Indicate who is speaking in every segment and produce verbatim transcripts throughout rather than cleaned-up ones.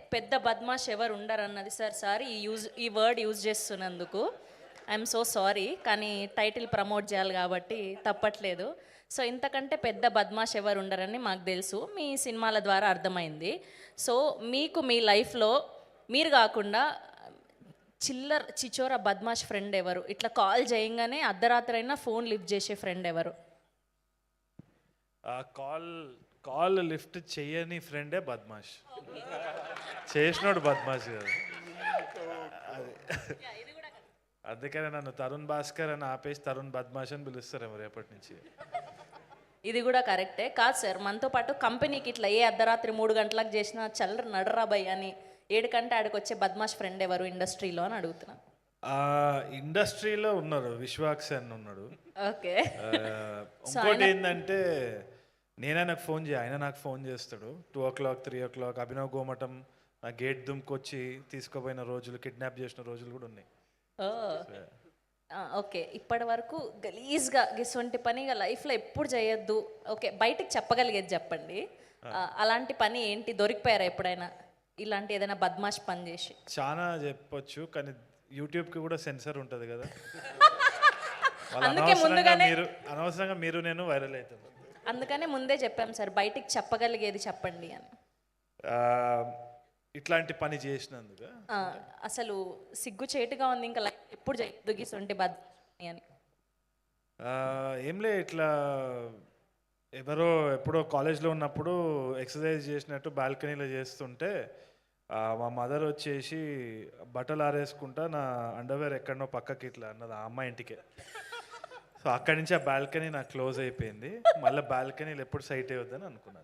Speaker 1: పెద్ద బద్మాష్ ఎవరు ఉండరు అన్నది సార్ సారీ ఈ యూజ్ ఈ వర్డ్ యూజ్ చేస్తున్నందుకు ఐఎమ్ సో సారీ, కానీ టైటిల్ ప్రమోట్ చేయాలి కాబట్టి తప్పట్లేదు. సో ఇంతకంటే పెద్ద బద్మాష్ ఎవరు ఉండరని మాకు తెలుసు, మీ సినిమాల ద్వారా అర్థమైంది. సో మీకు మీ లైఫ్లో మీరు కాకుండా చిల్లర్ చిచోర బద్మాష్ ఫ్రెండ్ ఎవరు? ఇట్లా కాల్ చేయంగానే అర్ధరాత్రి అయినా ఫోన్ లిఫ్ట్ చేసే ఫ్రెండ్ ఎవరు?
Speaker 2: కాల్ కాల్ లిఫ్ట్ చేయని ఫ్రెండే బద్మాష్, చేసినోడు బద్మాష్ కాదు. అందుకనే నన్ను తరుణ్ భాస్కర్ అని ఆపేసి తరుణ్ బద్మాష్ అని పిలుస్తారేమో రేపటి నుంచి.
Speaker 1: ఇది కూడా కరెక్టే. కాదు సార్, మనతో పాటు కంపెనీకి ఇట్లా ఏ అర్ధరాత్రి మూడు గంటలకు చేసినా చల్లర నడరా భయ్ అని ఏడు కంటే ఆడికి వచ్చే బద్మాష్ ఫ్రెండ్ ఎవరు ఇండస్ట్రీలో అని అడుగుతున్నా.
Speaker 2: ఇండస్ట్రీలో ఉన్నారు, విశ్వాక్స్ అని ఉన్నాడు.
Speaker 1: ఓకే.
Speaker 2: ఇంకోటి ఏంటంటే నేనే నాకు ఫోన్ చేయ ఆయన నాకు ఫోన్ చేస్తాడు two o'clock three o'clock Abhinav Gomatam నా గేట్ దుమ్కొచ్చి తీసుకుపోయిన రోజులు, కిడ్నాప్ చేసిన రోజులు కూడా ఉన్నాయి.
Speaker 1: ఓకే, ఇప్పటి వరకు గలీజ్గా గిసొంటి పని లైఫ్లో ఎప్పుడు చేయొద్దు, ఓకే బయటికి చెప్పగలిగేది చెప్పండి. అలాంటి పని ఏంటి, దొరికిపోయారా ఎప్పుడైనా ఇలాంటి ఏదైనా బద్మాష్ పని చేసి?
Speaker 2: చాలా చెప్పొచ్చు, కానీ యూట్యూబ్కి కూడా సెన్సర్ ఉంటుంది కదా.
Speaker 1: అందుకే ముందుగానే
Speaker 2: మీరు అనవసరంగా మీరు నేను వైరల్ అవుతాం.
Speaker 1: అందుకనే ముందే చెప్పాం సార్, బయటికి చెప్పగలిగేది చెప్పండి అని.
Speaker 2: ఇట్లాంటి పని చేసినందుకు
Speaker 1: అసలు సిగ్గు చేటుగా ఉంది, ఇంకా ఎప్పుడు చేయొద్దు గిసొంటి బద్మాష్ అని.
Speaker 2: ఏంలే, ఇట్లా ఎవరో ఎప్పుడో కాలేజ్లో ఉన్నప్పుడు ఎక్సర్సైజ్ చేసినట్టు బాల్కనీలో చేస్తుంటే మా మదర్ వచ్చేసి బట్టలు ఆరేసుకుంటా నా అండర్వేర్ ఎక్కడనో పక్కకి ఇట్లా అన్నది ఆ అమ్మాయి ఇంటికే. సో అక్కడి నుంచి ఆ బాల్కనీ నాకు క్లోజ్ అయిపోయింది. మళ్ళీ బాల్కనీలు ఎప్పుడు సైట్ అయ్యొద్దని అనుకున్నాను.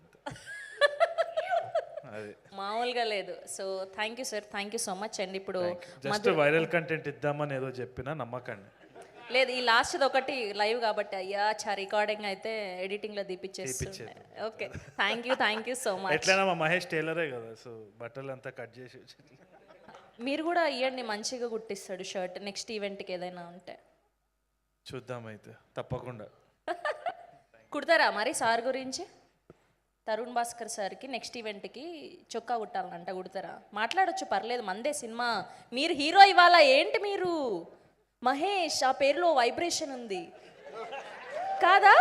Speaker 2: అది
Speaker 1: మామూలుగా లేదు. So thank you sir, thank you so much అండి. ఇప్పుడు
Speaker 2: జస్ట్ వైరల్ కంటెంట్ ఇద్దామని ఏదో చెప్పినా నమ్మకండి.
Speaker 1: లేదు, ఈ లాస్ట్ ఒకటి లైవ్ కాబట్టి అయ్యా చా రికార్డింగ్ అయితే ఎడిటింగ్ లో తీపిచ్చేసి. Okay, thank you thank you so much.
Speaker 2: ఎట్లైనా మా మహేష్ టైలరే కదా, సో బట్టలు అంతా కట్ చేసి
Speaker 1: మీరు కూడా ఇవ్వండి, మంచిగా కుట్టిస్తాడు షర్ట్. నెక్స్ట్ ఈవెంట్కి ఏదైనా ఉంటే
Speaker 2: చూద్దాం, అయితే తప్పకుండా
Speaker 1: కుడతారా మరి సార్ గురించి? తరుణ్ భాస్కర్ సార్కి నెక్స్ట్ ఈవెంట్కి చొక్కా కుట్టాలంట, కుడతారా? మాట్లాడొచ్చు, పర్లేదు, మందే సినిమా. మీరు హీరో ఇవాళ ఏంటి మీరు? మహేష్ ఆ పేరులో వైబ్రేషన్ ఉంది కాదా?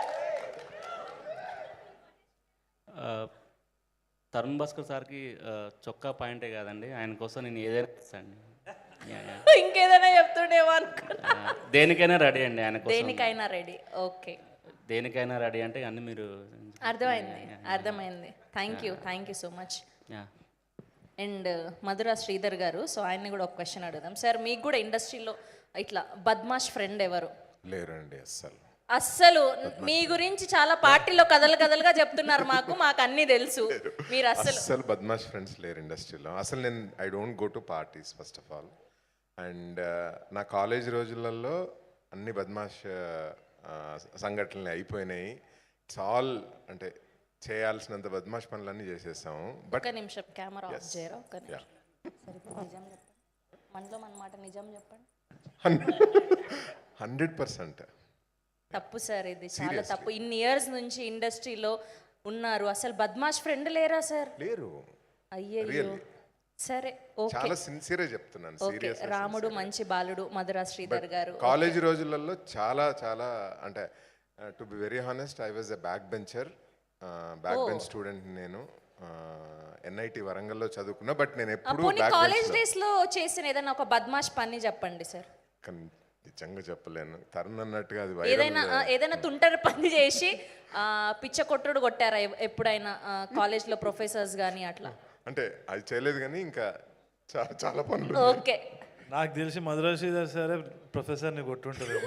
Speaker 3: తరుణ్ భాస్కర్ సార్కి చొక్కా పాయింటే కాదండి, ఆయన కోసం నేను ఏదైనా ఇస్తాను.
Speaker 1: ఇంకేదైనా చెప్తుండేమో అనుకున్నా.
Speaker 3: దేనికైనా రెడీ అండి ఆయన కోసం.
Speaker 1: దేనికైనా రెడీ. ఓకే,
Speaker 3: దేనికైనా రెడీ అంటే అన్ని మీరు.
Speaker 1: అర్థమైంది అర్థమైంది thank you thank you so much. And Madhura Sridhar గారు, సో ఆయన్ని కూడా ఒక క్వశ్చన్ అడుగుదాం సార్. మీకు కూడా ఇండస్ట్రీలో ఇట్లా బద్మాష్ ఫ్రెండ్ ఎవరు?
Speaker 4: లేరండి అస్సలు.
Speaker 1: అస్సలు మీ గురించి చాలా పార్టీలో కథలు కథలుగా చెప్తున్నారు, మాకు మాకు అన్నీ తెలుసు. మీరు అస్సలు
Speaker 4: అస్సలు బద్మాష్ ఫ్రెండ్స్ లేరు ఇండస్ట్రీలో. అసలు నేను I don't go to parties first of all. And నా కాలేజ్ రోజులలో అన్ని బద్మాష్ సంఘటనలు అయిపోయినాయి. ఇట్స్ ఆల్ అంటే చేయాల్సినంత బద్మాష్ పనులన్నీ చేసేసాము.
Speaker 1: బట్ నిమిషం కెమెరా ఆఫ్ చేయరా? ఒక నిమిషం. నిజం చెప్పండి, మనలో మన మాట నిజం చెప్పండి.
Speaker 4: హండ్రెడ్ పర్సెంట్
Speaker 1: తప్పు సార్, ఇది చాలా తప్పు. ఇన్ని ఇయర్స్ నుంచి ఇండస్ట్రీలో ఉన్నారు, అసలు బద్మాష్ ఫ్రెండ్ లేరా సార్?
Speaker 4: లేరు.
Speaker 1: అయ్యో సరే,
Speaker 4: చాలా సిన్సియర్ గా చెప్తున్నాను. సీరియస్.
Speaker 1: రాముడు మంచి బాలుడు మధురా శ్రీధర్ గారు.
Speaker 4: కాలేజ్ రోజులలో చాలా చాలా అంటే to be very honest I was a back bencher, back bench student. నేను ఎన్ఐటి వరంగల్లో చదువుకున్నా, బట్ నేను ఎప్పుడు
Speaker 1: కాలేజ్ డేస్ లో చేసిన ఏదైనా ఒక బద్మాష్ పని చెప్పండి సార్.
Speaker 4: నిజంగా చెప్పలేను, తరుణ్ అన్నట్టుగా అది
Speaker 1: ఏదైనా ఏదైనా తుంటరి పని చేసి పిచ్చ కొట్టుడు కొట్టారా ఎప్పుడైనా కాలేజ్ లో ప్రొఫెసర్స్ గానీ అట్లా?
Speaker 4: అంటే అది చేయలేదు కానీ ఇంకా చాలా చాలా పనులు.
Speaker 1: ఓకే,
Speaker 2: నాకు తెలిసి మధురా శ్రీధర్ సరే ప్రొఫెసర్ని కొట్టుంటారు.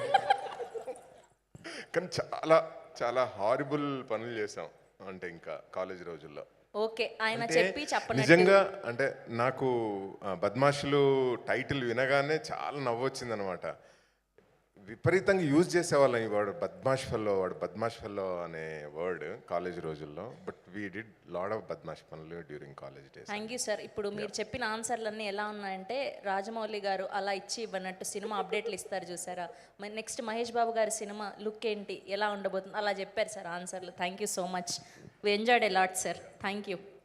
Speaker 4: కానీ చాలా చాలా హారిబుల్ పనులు చేసాం అంటే ఇంకా కాలేజ్ రోజుల్లో.
Speaker 1: ఓకే, ఆయన చెప్పి చెప్పండి.
Speaker 4: నిజంగా అంటే నాకు బద్మాషులు టైటిల్ వినగానే చాలా నవ్వొచ్చింది అనమాట. విపరీతంగా యూజ్ చేసేవాళ్ళం ఈ వర్డ్, బద్మాష్ ఫెల్లో, వాడు బద్మాష్ ఫెల్లో అనే వర్డ్ కాలేజ్ రోజుల్లో. But we did lot of బద్మాష్ పనులు during college days.
Speaker 1: Thank you sir. ఇప్పుడు మీరు చెప్పిన ఆన్సర్లన్నీ ఎలా ఉన్నాయంటే రాజమౌళి గారు అలా ఇచ్చి ఇవ్వనట్టు సినిమా అప్డేట్లు ఇస్తారు చూసారా, నెక్స్ట్ మహేష్ బాబు గారి సినిమా లుక్ ఏంటి ఎలా ఉండబోతుంది అలా చెప్పారు సార్ ఆన్సర్లు. Thank you so much, we enjoyed a lot sir. Thank you.